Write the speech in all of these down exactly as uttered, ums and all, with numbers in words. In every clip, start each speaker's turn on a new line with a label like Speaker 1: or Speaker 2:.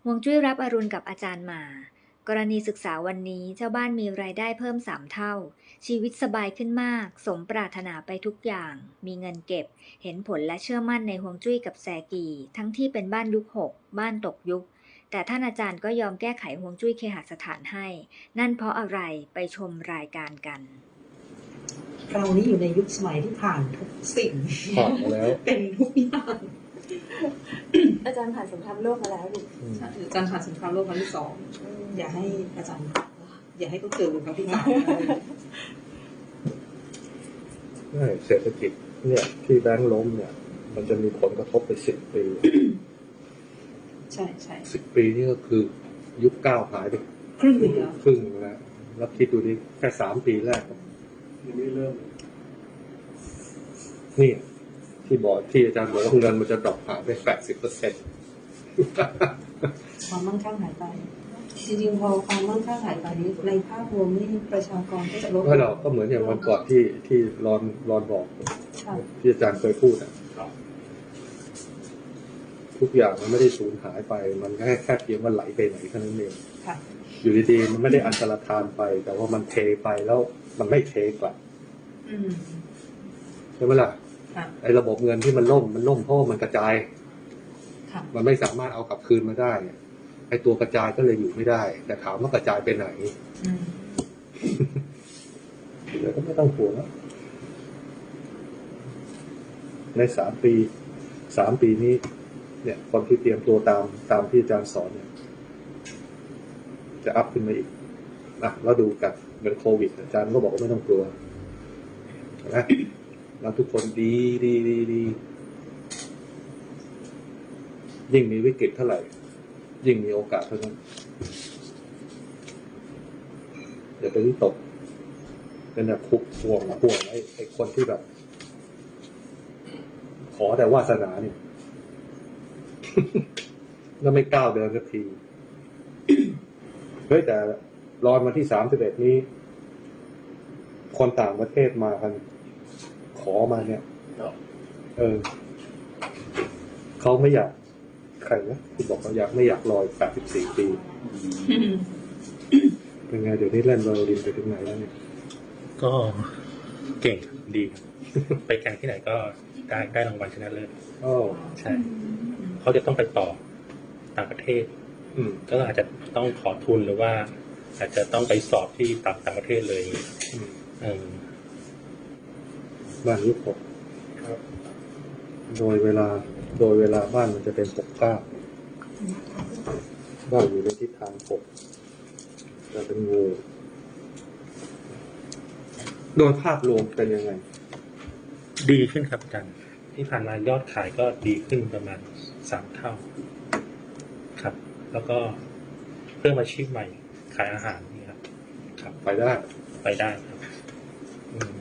Speaker 1: ฮวงจุ้ยรับอรุณกับอาจารย์หมากรณีศึกษาวันนี้เจ้าบ้านมีรายได้เพิ่มสามเท่าชีวิตสบายขึ้นมากสมปรารถนาไปทุกอย่างมีเงินเก็บเห็นผลและเชื่อมั่นในฮวงจุ้ยกับแซกีทั้งที่เป็นบ้านยุคหกบ้านตกยุคแต่ท่านอาจารย์ก็ยอมแก้ไขฮวงจุ้ยเคหสถานให้นั่นเพราะอะไรไปชมรายการกัน
Speaker 2: เรานี่อยู่ในยุคสมัยที่ผ่านทุกสิ่ง
Speaker 3: ผ่านมาแล้ว
Speaker 2: เป็นทุกอย่าง
Speaker 1: อาจารย์ผ่านสงครามโลกมาแล้วดิ
Speaker 2: อาจารย์ผ่านสงครามโลกครั้งที่สองอย่าให้อาจารย์อย่าให้เขาเจอครั้งที่สาม
Speaker 3: ใช่เศรษฐกิจเนี่ยที่แบงก์ล้มเนี่ยมันจะมีผลกระทบไปสิบปี
Speaker 2: ใช่ใช่
Speaker 3: สิบปีนี่ก็คือยุคเก้าหายไป
Speaker 2: ครึ่งหนึ่งแล้ว
Speaker 3: ครึ่งแล้วแล้วคิดดูดิแค่สามปีแรกยังไม่เริ่มนี่ที่บอกที่อาจารย์บอกว่าเงินมันจะดรอปหายไปแปดสิบเปอร์เซ็นต์
Speaker 2: ความมั่งคั่งหายไปจริงๆพอความมั่งคั่งหายไปนี้ในภาพรวมนี่ประชากรก็จะลด
Speaker 3: ไม่หรอกก็เหมือนอย่างวันก่อนที่ที่รอนรอนบอกที่อาจารย์เคยพูดอ่ะทุกอย่างมันไม่ได้สูญหายไปมันแค่แค่เพียงว่าไหลไปไหนแค่นั้นเองอยู่ดีๆมันไม่ได้อันตรธานไปแต่ว่ามันเทไปแล้วมันไม่เทกลับใช่ไหมล่ะไอ้ระบบเงินที่มันล่มมันล่มเพราะมันกระจายมันไม่สามารถเอากลับคืนมาได้ไอ้ตัวกระจายก็เลยอยู่ไม่ได้แต่ถามว่ากระจายไปไหนเดี๋ยวก็ไม่ต้องห่วงแล้วในสามปีสามปีนี้เนี่ยคนที่เตรียมตัวตามตามที่อาจารย์สอนเนี่ยจะอัพขึ้นมาอีกนะแล้วดูกันเหมือนโควิดอาจารย์ก็บอกว่าไม่ต้องกลัวนะเราทุกคนดีดีดีดียิ่งมีวิกฤตเท่าไหร่ยิ่งมีโอกาสเท่านั้นอย่าไปวิตกเป็นแบบคุกห่วงห่วงไอ้ไอ้คนที่แบบขอแต่วาสนาเนี่ยแล้วไม่ก้าวเดินสักทีเฮ้ยแต่รอนวันที่สามสิบเอ็ดนี้คนต่างประเทศมากันขอมาเนี่ยเออเขาไม่อยากใครนะที่บอกเขาอยากไม่อยากรอแปดสิบสี่ปีเป็นไงเดี๋ยวนี้เล่นไวโอลินไปถึงไหนแล้วเนี่ย
Speaker 4: ก็เก่งดีไปแข่งที่ไหนก็ได้ได้รางวัลชนะเลิศ
Speaker 3: อ๋อ
Speaker 4: ใช่เขาจะต้องไปต่อต่างประเทศก็อาจจะต้องขอทุนหรือว่าอาจจะต้องไปสอบที่ต่างต่างประเทศเลยเออ
Speaker 3: บ้านยุคหกโดยเวลาโดยเวลาบ้านมันจะเป็นปกเก้าบ้านอยู่ในทิศทางปกจะเป็นงูโดยภาพรวมเป็นยังไง
Speaker 4: ดีขึ้นครับอาจารย์ที่ผ่านมายอดขายก็ดีขึ้นประมาณสามเท่าครับแล้วก็เพิ่มอาชีพใหม่ขายอาหารนี่ครับครับ
Speaker 3: ไปได้
Speaker 4: ไปได้ครับ
Speaker 3: อืม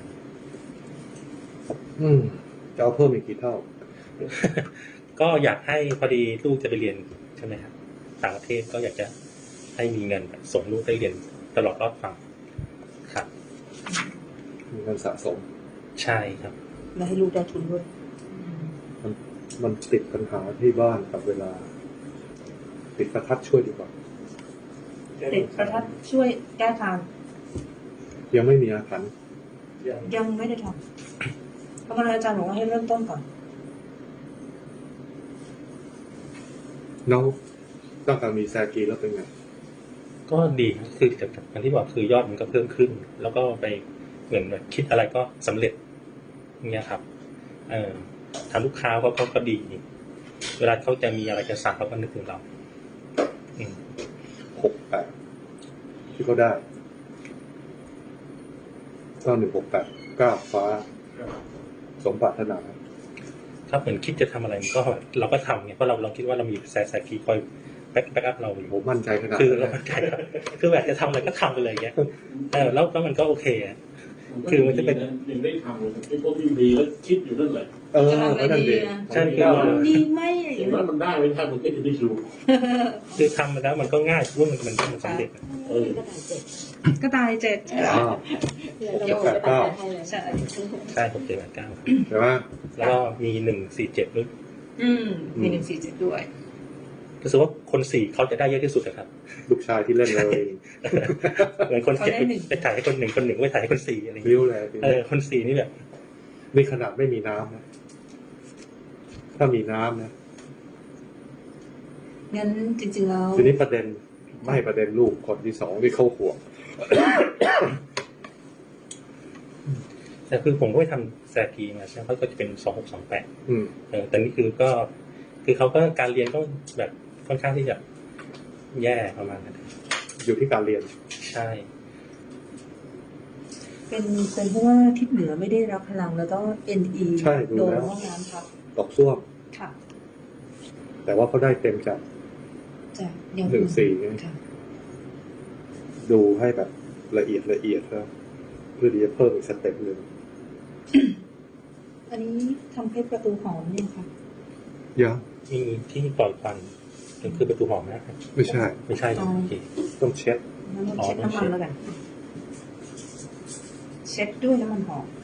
Speaker 3: อืมจะเอาเพิ่มอีกกี่เท่า
Speaker 4: ก็อยากให้พอดีลูกจะไปเรียนใช่ไหมครับต่างประเทศก็อยากจะให้มีเงินส่งลูกได้เรียนตลอดรอดฝั่งครับ
Speaker 3: มีเงินสะสม
Speaker 4: ใช่ครับ
Speaker 2: และให้ลูกได้ทุนด้วย
Speaker 3: มันมันติดปัญหาที่บ้านกับเวลาติดประทัดช่วยดีกว่า
Speaker 2: ติดประทัดช่วยแก้ทาง
Speaker 3: ยังไม่มีอาถรรพ์
Speaker 2: ยังไม่ได้ทำเพราะงั้นอาจารย์บอกว่าให้เริ่มต้นก่อน
Speaker 3: น้องต้องการมีแซกีแล้วเป็นไง
Speaker 4: ก็ดีคือจากการที่บอกคือยอดมันก็เพิ่มขึ้นแล้วก็ไปเหมือนแบบคิดอะไรก็สำเร็จเงี้ยครับเออทางลูกค้าเขาก็ก็ดีเวลาเขาจะมีอะไรจะสั่งเขาก็นึกถึงเรา
Speaker 3: หกแปดที่เขาได้เก้าหนึ่งหกแปดเก้าฟ้าสมปรารถนา
Speaker 4: ถ้าเหมือนคิดจะทำอะไรก็เราก็ทำไงเพราะเราเราคิดว่าเรามีแซซากีคอยแบ็คแบ็คอัพเราอยู่
Speaker 3: ผมมั่นใจขนาด
Speaker 4: คือเรามั่นใจคือแบบจะทำอะไรก็ทำไปเลยเงี้ยเออแล้วแล้วมันก็โอเคอ่ะคือมันจะเป็น
Speaker 5: ยังได้ทำไอ้พวกที่ดีแล้วคิดอยู่นั่นแหละ
Speaker 3: เออนั่นเอง
Speaker 4: ใช่
Speaker 2: คือดีไหม
Speaker 5: เห็นว่ามันได้ไม่ได้มันก็จะได้ชู
Speaker 4: คือทำมาแล้วมันก็ง่ายว่ามันมันมันสำเร็จ
Speaker 5: เออ
Speaker 2: ก็ตายเจ็ด
Speaker 3: เจ็ดแปดเก้า
Speaker 2: ใช่
Speaker 4: ใช่หกเจ็ดแปดเก้า
Speaker 3: ใช่ไหม
Speaker 4: แล้วก็มีหนึ่งสี่เจ็ดด้วย
Speaker 2: อืมมีหนึ่งสี่เจ็ดด้วย
Speaker 4: รู้สึกว่าคนสี่เขาจะได้เยอะที่สุดนะครับ
Speaker 3: ลูกชายที่เล่นเลย
Speaker 4: เหมือนคนเจ็ดไปถ่ายให้คนหนึ่งคนหนึ่งไปถ่ายให้คนสี่อะไรอย่าง
Speaker 3: ริ้
Speaker 4: เงี้ยว
Speaker 3: เลย
Speaker 4: เออคนสี่นี่แบบ
Speaker 3: นี่ขนาดไม่มีน้ำนะถ้ามีน้ำนะ
Speaker 2: งั้นจริงๆแล้ว
Speaker 3: ทีนี้ประเด็นไม่ประเด็นลูกคนที่สองที่เขาห่วง
Speaker 4: แต่คือผมก็ไปทำแซกีมาใช่ไหมเขาก็จะเป็นสองหกสองแปด
Speaker 3: อืม
Speaker 4: เออแต่นี่คือก็ คือเขาก็การเรียนก็แบบค่อนข้างที่จะแย่ประมาณนั้น
Speaker 3: อยู่ที่การเรียน
Speaker 4: ใช่
Speaker 2: เป็นเป็นเพราะว่าทิศเหนือไม่ได้รับพลังแล้วก็ เอ็น อี
Speaker 3: ใช่ดู
Speaker 2: โดน
Speaker 3: แล้ว
Speaker 2: ห้องน้ำครับ
Speaker 3: ตกซ่วม
Speaker 2: ค่ะ
Speaker 3: แต่ว่าเขาได้เต็มจาก
Speaker 2: จะยัง
Speaker 3: หนึ่งสี่ไง
Speaker 2: ค่ะ
Speaker 3: ดูให้แบบละเอียดละเอียดครับเพื่อที่จะเพิ่มอีกสเต็ปหนึ่ง
Speaker 2: อันนี้ทำเพชรประตูหอมเนี่ยค่ะ
Speaker 3: ยัง
Speaker 4: มีที่ปล่อยควันนั่นคือประตูหอมนะครับ
Speaker 3: ไม่ใช่
Speaker 4: ไม่ใช่ใช่ไหมโอเค
Speaker 3: ต้องเช็ด
Speaker 2: งั้นเรา
Speaker 4: อ๋อ
Speaker 2: เช็ด
Speaker 4: ต้อง
Speaker 2: น้ำ
Speaker 4: เช็
Speaker 2: มัน
Speaker 4: ด
Speaker 2: แล้วกัน เช็ดด้วยน้ำมันหอม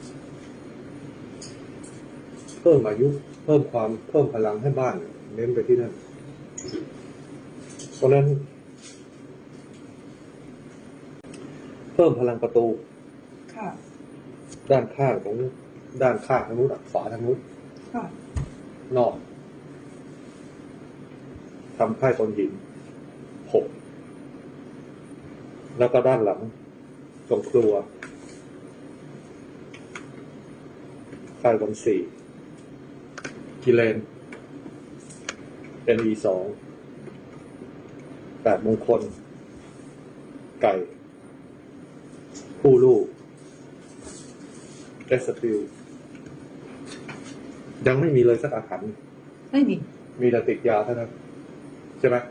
Speaker 3: เพิ่มอายุ เพิ่มความเพิ่มพลังให้บ้าน เน้นไปที่นั่น เพราะฉะนั้น เพิ่มพลังประตู
Speaker 2: ค่ะ
Speaker 3: ด้านข้างของด้านข้างทางนู้นฝาทางนู้น
Speaker 2: ค่ะ
Speaker 3: นอกทำค่ายตนหินหกแล้วก็ด้านหลังตรงครัวค่ายตนสี่กิเลนเป็นอีสองแปดมงคล ไก่ ผู้ลูกเอสติลยังไม่มีเลยสักอาหาร
Speaker 2: ไม่มี
Speaker 3: มีแต่ติดยาเท่านั้นใช่ไหม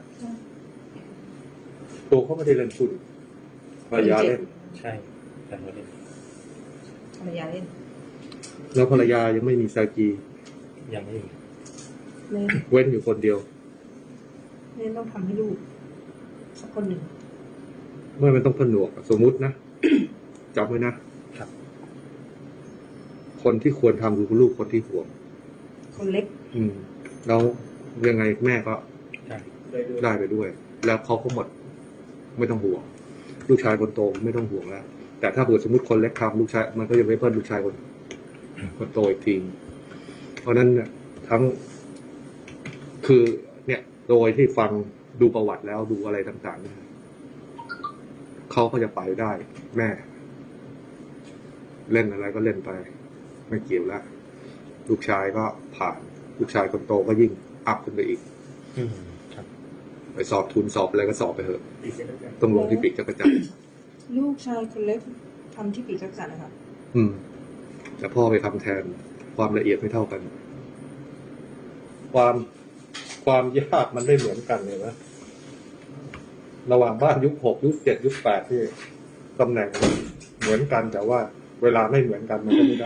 Speaker 3: ตัวเขาไม่ได้เล่นคุณภรรยาเล่น
Speaker 4: ใช่แต่ไม่ได้
Speaker 2: ภรรยาเล่น
Speaker 3: แล้วภรรยายังไม่มีซากี
Speaker 4: ยังไม่มี
Speaker 2: เล่น
Speaker 3: เว้นอยู่คนเดียว
Speaker 2: เล่นต้องทำให้ลูกสักคนหนึ่ง
Speaker 3: เมื่อมันต้องผนวกสมมุตินะ จำไว้นะ
Speaker 4: ครับ
Speaker 3: คนที่ควรทำคือลูกคนที่ห่วง
Speaker 2: คนเล็ก
Speaker 3: อืมแล้วยังไงแม่ก็
Speaker 4: ใช่
Speaker 3: ได้ไปด้วย แล้วเขาก็หมด ไม่ต้องห่วง ลูกชายคนโตไม่ต้องห่วงแล้ว แต่ถ้าเกิดสมมติคนเล็กทำลูกชายมันก็จะไม่เพิ่มลูกชายคนคนโตอีกทีเพราะนั้นเนี่ยทั้งคือเนี่ยโดยที่ฟังดูประวัติแล้วดูอะไรต่างๆเนี่ยเขาก็จะไปได้ แม่ เล่นอะไรก็เล่นไป ไม่เกี่ยวแล้วลูกชายก็ผ่าน ลูกชายคนโตก็ยิ่งอัพขึ้นไปอีก
Speaker 4: อืมครับ
Speaker 3: ไปสอบทุนสอบอะไรก็สอบไปเถอะต้องลงที่ปีกจักรจันทร์
Speaker 2: ลูกชายคนเล็กทำที่ปีกจักรจันทร์นะครับ
Speaker 3: อืม แต่พ่อไปทำแทนความละเอียดไม่เท่ากัน ความความยากมันไม่เหมือนกันเลยนะระหว่างบ้านยุคหกยุคเจ็ดยุคแปดที่ตำแหน่งเหมือนกันแต่ว่าเวลาไม่เหมือนกันมันก็ไม่ได้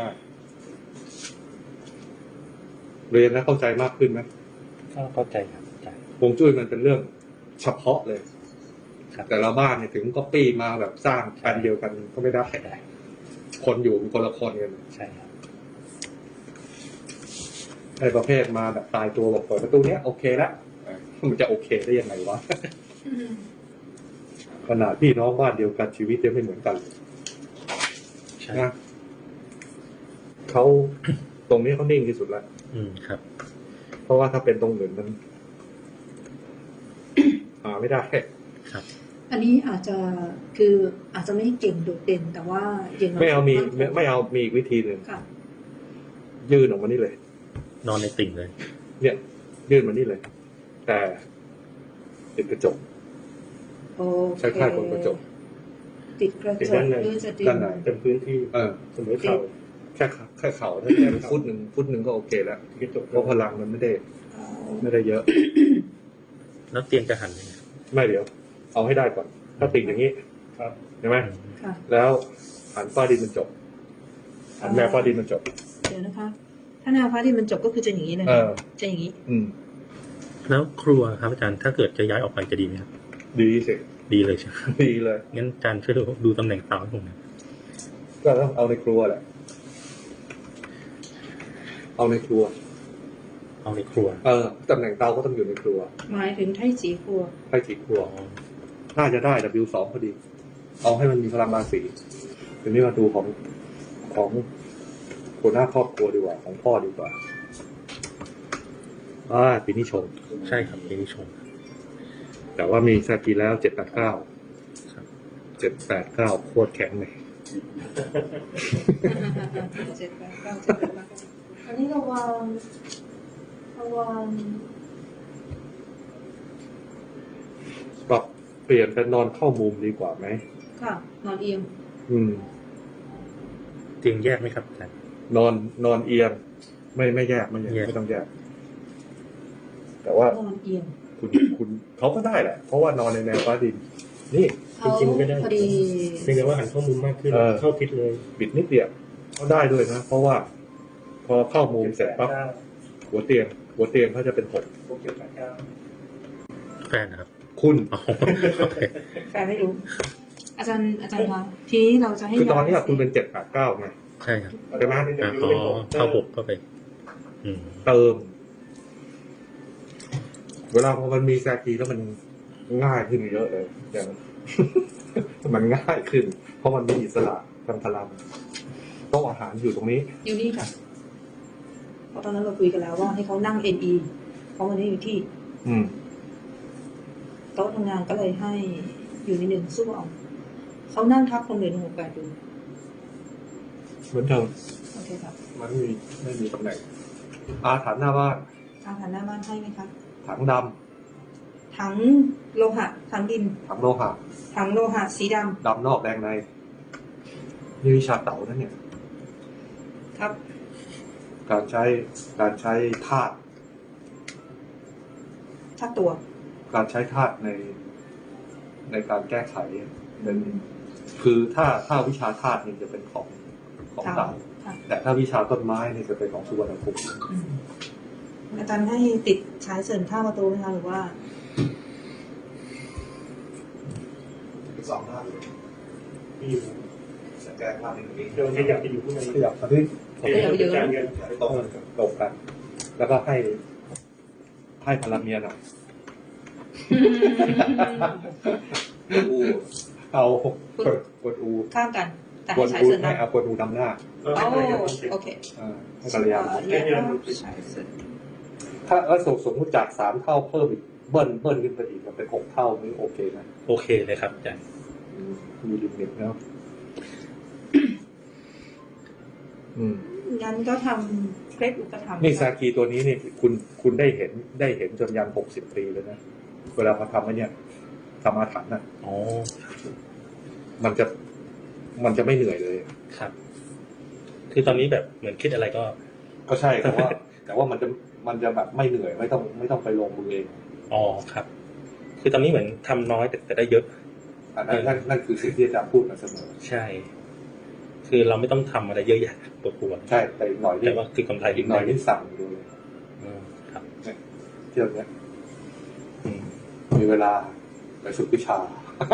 Speaker 3: เรียนแล้วเข้าใจมากขึ้นไหม
Speaker 4: ก็เข้าใจครับเข้าใจ
Speaker 3: ฮวงจุ้ยมันเป็นเรื่องเฉพาะเลย
Speaker 4: ครับ
Speaker 3: แต่ละบ้านเนี่ยถึงก็ปี้มาแบบสร้างแปลนเดียวกันก็ไม่ได้
Speaker 4: ได้
Speaker 3: คนอยู่เป็นคนละคนกัน
Speaker 4: ใช่ครับ
Speaker 3: ไอ้ประเภทมาแบบตายตัวบอกเปิดประตูเนี้ยโอเคแล้วมันจะโอเคได้ยังไงวะ ขนาดพี่น้องบ้านเดียวกันชีวิตยังไม่เหมือนกันเลย
Speaker 4: ใช่
Speaker 3: นะเขาตรงนี้เขานิ่งที่สุดแล้ว
Speaker 4: อืมครับ
Speaker 3: เพราะว่าถ้าเป็นตรงอื่นมัน หาไม่ได้
Speaker 4: ครับ
Speaker 2: อันนี้อาจจะคืออาจจะไม่เก่งโดดเด่น แต่ว่าอย่างน้ย
Speaker 3: ไม่เอามีไม่ไม่เอามีอีกวิธีหนึ่ง
Speaker 2: ค่ะ
Speaker 3: ยื่นออกมานี่เลย
Speaker 4: นอนในติ่งเลย
Speaker 3: เนี่ย ยื่นมานี่เลย แต่ติดกระจก
Speaker 2: โอเค
Speaker 3: ใช้ค่ายคนกระจก
Speaker 2: ติดกระ
Speaker 3: ติด
Speaker 2: จก
Speaker 3: ด้านใน
Speaker 2: หรือจะติด
Speaker 3: ด้านใน
Speaker 5: เป็นพื้นที่
Speaker 3: เออ
Speaker 5: เสมอเข่า
Speaker 3: แค่ขาแค่เข่าถ้าแค่ฟุตหนึ่งฟุตหนึ่งก็โอเคแล้ว
Speaker 5: กระจก
Speaker 3: เพราะพลังมันไม่ได้
Speaker 2: เอา
Speaker 3: ไม่ได้เยอะ
Speaker 4: แล้วเตียงจะหันยังไง
Speaker 3: ไม่เดี๋ยว เอาให้ได้ก่อน ถ้าติดอย่างนี้
Speaker 5: ครับ
Speaker 3: ใช่ไหม
Speaker 4: อืม
Speaker 2: ค่ะ
Speaker 3: แล้วหันฟ้าดินมันจบหันแนวฟ้าดินมันจบ
Speaker 2: เดี๋ยวนะคะ ถ้าแนวฟ้าดินมันจบก็คือจะอย่างนี้เลย
Speaker 3: เออ
Speaker 2: จะอย่างนี้
Speaker 3: อืม
Speaker 4: แล้วครัวครับอาจารย์ถ้าเกิดจะย้ายออกไปจะดีไหมครับ
Speaker 3: ดีสิ
Speaker 4: ดีเลยใช่ไหม
Speaker 3: ดีเลย
Speaker 4: งั้นอาจารย์ช่วยดูดูตำแหน่งเสาให้ผมหนะ
Speaker 3: ก็ต้องเอาในครัวแหละ เอาในครัว
Speaker 4: เอาในครัว
Speaker 3: เออตำแหน่งเตาก็ต้องอยู่ในครัว
Speaker 2: หมายถึงไทจีครัว
Speaker 3: ไทจีครัวน่าจะได้ ดับเบิลยู สองพอดี เอาให้มันมีพลังบาสีทีนี้มาดูของของคนหน้าครอบครัวดีกว่าของพ่อดีกว่าอ่าปีนี้ชง
Speaker 4: ใช่ครับปีนี้ชง
Speaker 3: แต่ว่ามีซากีแล้วเจ็ดแปดเก้า
Speaker 4: ครับ
Speaker 3: เจ็ดแปดเก้าโคตรแข็งเลย
Speaker 2: เจ็ดแปดเก้าเจ็ดแปดเก้าอันนี้ระวังระวัง
Speaker 3: ปรับเปลี่ยนเป็นนอนเข้ามุมดีกว่าไหม
Speaker 2: ค่ะ นอนเอียง
Speaker 3: อืม
Speaker 4: เตียงแยกไหมครับอาจารย์
Speaker 3: นอนนอนเอียง ไม่ไม่แยกไม่แยก
Speaker 4: แยก
Speaker 3: ไม่ต้องแยก แต่ว่าน
Speaker 2: อนเอียง
Speaker 3: คุณคุณเขาก็ได้แหละ เพราะว่านอนในแนวฟ้าดิน นี่
Speaker 2: เขา
Speaker 4: จริงๆก็ได้
Speaker 2: พอดี
Speaker 4: เพียงแต่ว่าหันเข้ามุมมากขึ้น
Speaker 3: เออ
Speaker 4: เข้าทิศเลย
Speaker 3: บิดนิดเดียวเขาได้ด้วยนะ เพราะว่าพอเข้ามุมเสร็จปั๊บหัวเตียง หัวเตียงเขาจะเป็นหก
Speaker 4: แฟนนะครับ
Speaker 3: คุณ
Speaker 4: อ๋อโอเค
Speaker 2: แฟนไม่รู้ อาจารย์อาจารย์คะทีนี้เราจะให้
Speaker 3: คือตอนนี้
Speaker 2: ย้าย
Speaker 3: คุณเป็นเจ็ดแปดเก้าไง
Speaker 4: ใช่ครับ
Speaker 3: ใช่ไหม
Speaker 4: อ่ะอ๋อเข้าหกเข้าไป อืม
Speaker 3: เติม เวลาพอมันมีแซกีแล้วมันง่ายขึ้นเยอะเลยอย่าง มันง่ายขึ้น เพราะมันมีอิสระทางพลังโต๊ะอาหารอยู่ตรงนี้
Speaker 2: อยู่นี่ค่ะ เพราะตอนนั้นเราคุยกันแล้วว่าให้เขานั่ง เอ็น อี เพราะมันไม่อยู่ที่
Speaker 3: อืม
Speaker 2: โต๊ะทำงานก็เลยให้อยู่ในหนึ่งสู้เอาเขานั่งทับคนเหลือหนึ่งหกแปดดู
Speaker 3: เหมือนเดิม
Speaker 2: โอเคครับ
Speaker 3: มันไม่มีไม่มีตำแหน่ง อาถรรพ์หน้าบ้าน
Speaker 2: อาหารหน้าบ้านให้ไหมคะ
Speaker 3: ถังด
Speaker 2: ถังโลหะ ถังดิน
Speaker 3: ำถังโลหะ
Speaker 2: ถังโลหะสีด
Speaker 3: ดำนอกแดงในนี่วิชาเต๋านั่นเนี่ย
Speaker 2: ำครับ
Speaker 3: การใช้การใช้ธาตุ
Speaker 2: ทับตัว
Speaker 3: การใช้ธาตุในในการแก้ไขเป็นคือถ้าถ้าวิชาธาตุนี่จะเป็นของของเต๋า
Speaker 2: ค่ะ
Speaker 3: แต่ถ้าวิชาต้นไม้นี่จะเป็นของสุวรรณภูมิ
Speaker 2: อืมอาจารย์ให้ติดฉายเสริมท่าประตูไหมคะหรือว่า
Speaker 3: สองท่าเลยที่จะแก้ธาตุนี้
Speaker 4: เดี๋ยวจะอยากไปอยู่ข้างใน
Speaker 3: ขยับมาที่
Speaker 2: ขยับไปเยอะ
Speaker 3: ให้ตรงกันตรงกัน แล้วก็ให้ให้พลังเมียหน่อยอูเอากดกดอู
Speaker 2: ข้ามกัน แต่
Speaker 3: ก
Speaker 2: ให้
Speaker 3: ด
Speaker 2: ฉาย
Speaker 3: อู
Speaker 2: เสริม
Speaker 3: ให้
Speaker 2: นะ
Speaker 3: เอากดอูดำหน้า
Speaker 2: โอ้โอเค
Speaker 3: อ่าให้ภรรยา
Speaker 2: แยกว่าฉายเสริม
Speaker 3: ถ้าแล้วสมสมมติจากสามเท่าเพิ่มอีกเบิ้ลเบิ้ลขึ้นไปอีกมันเป็นหกเท่านี่โอเคไหม
Speaker 4: โอเคเลยครับอาจารย์
Speaker 3: มีลิมิตแล้วอืม
Speaker 2: งั้นก็ทำเคล็ดอุปถัมภ์
Speaker 3: นี่ซากีตัวนี้นี่คุณคุณได้เห็นได้เห็นจนยันหกสิบปีเลยนะเวลาเขาทำไอ้เนี่ยทำอาถรรพ์น่ะ
Speaker 4: อ๋อ
Speaker 3: มันจะมันจะไม่เหนื่อยเลย
Speaker 4: ครับ คือตอนนี้แบบเหมือนคิดอะไรก็
Speaker 3: ก็ใช่แต่ว่า แต่ว่ามันจะมันจะแบบไม่เหนื่อยไม่ต้องไม่ต้องไปลงมือเอง
Speaker 4: อ๋อครับ คือตอนนี้เหมือนทำน้อยแต่แต่ได้เยอะ
Speaker 3: อันนั้นนั่นนั่นคือสิ่งที่อาจารย์พูดมาเสมอ
Speaker 4: ใช่ คือเราไม่ต้องทำอะไรเยอะแยะปวดหัว
Speaker 3: ใช่แต่อีกหน่อยนี่
Speaker 4: แต่ว่าคือกำไร
Speaker 3: อีกหน่อยนี่สั่งดูเลย
Speaker 4: อืมครับ
Speaker 3: เที่ยวเนี้ย
Speaker 4: อืม
Speaker 3: มีเวลาไปฝึกวิชา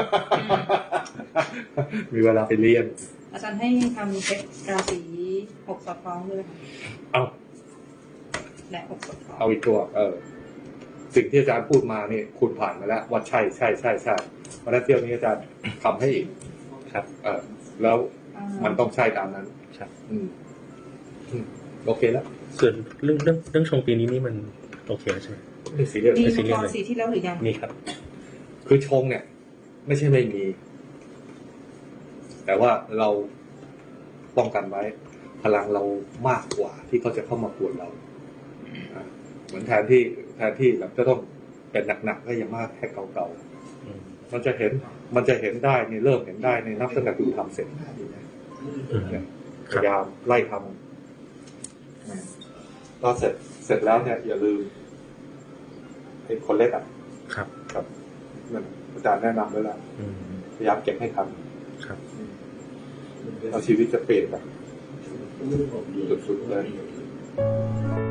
Speaker 3: มีเวลาไปเรียน
Speaker 2: อาจารย์ให้ทำเคล็ดราศีหกสอดคล้องด้วยค่ะ
Speaker 3: เอา
Speaker 2: และหกสอดคล้อง
Speaker 3: เอาอีกตัว เออ สิ่งที่อาจารย์พูดมานี่คุณผ่านมาแล้วว่าใช่ใช่ใช่ใช่เพราะฉะนั้นเที่ยวนี้อาจารย์ทำให้อีก
Speaker 4: ครับ
Speaker 3: เออ แล้ว
Speaker 2: อ่า
Speaker 3: มันต้องใช่ตามนั้น
Speaker 4: ครับ
Speaker 3: อืมอืมโอเคแล้ว
Speaker 4: ส่วนเรื่องเรื่องเรื่องชงปีนี้นี่มันโอเคแล้วใช่ไหม
Speaker 3: ไม่ซีเรียส
Speaker 2: มี
Speaker 4: ไม่ซี
Speaker 2: มัง
Speaker 4: เรีย
Speaker 2: ก
Speaker 4: ส
Speaker 2: ร
Speaker 4: เลย
Speaker 2: สีที่แล้วหรือยัง
Speaker 4: นี่ครับ
Speaker 3: คือชงเนี่ย ไม่ใช่ไม่มี แต่ว่าเราป้องกันไว้ พลังเรามากกว่าที่เขาจะเข้ามาปวดเราอ่ะเหมือนแทนที่แทนที่แบบจะต้องเป็นหนักๆก็อย่างมากแค่เก่า
Speaker 4: อืม
Speaker 3: ๆมันจะเห็น มันจะเห็นได้ในเริ่มเห็นได้ในนับตั้งแต่คุณทำเสร็จ
Speaker 4: อืม
Speaker 3: เนี่ย
Speaker 4: ค
Speaker 3: พ
Speaker 4: รับ
Speaker 3: ยายามไล่ทำตอนเสร็จเสร็จแล้วเนี่ย อย่าลืมไอ้คนเล็กอ่ะ
Speaker 4: ครับ
Speaker 3: ครับนั่นอาจารย์แนะนำไว้แล้ว
Speaker 4: อืม
Speaker 3: พยายามเก็บให้ทัน
Speaker 4: ครับ
Speaker 3: เอาชีวิตจะเปลี่ยนแบบสุดๆเลย
Speaker 5: เ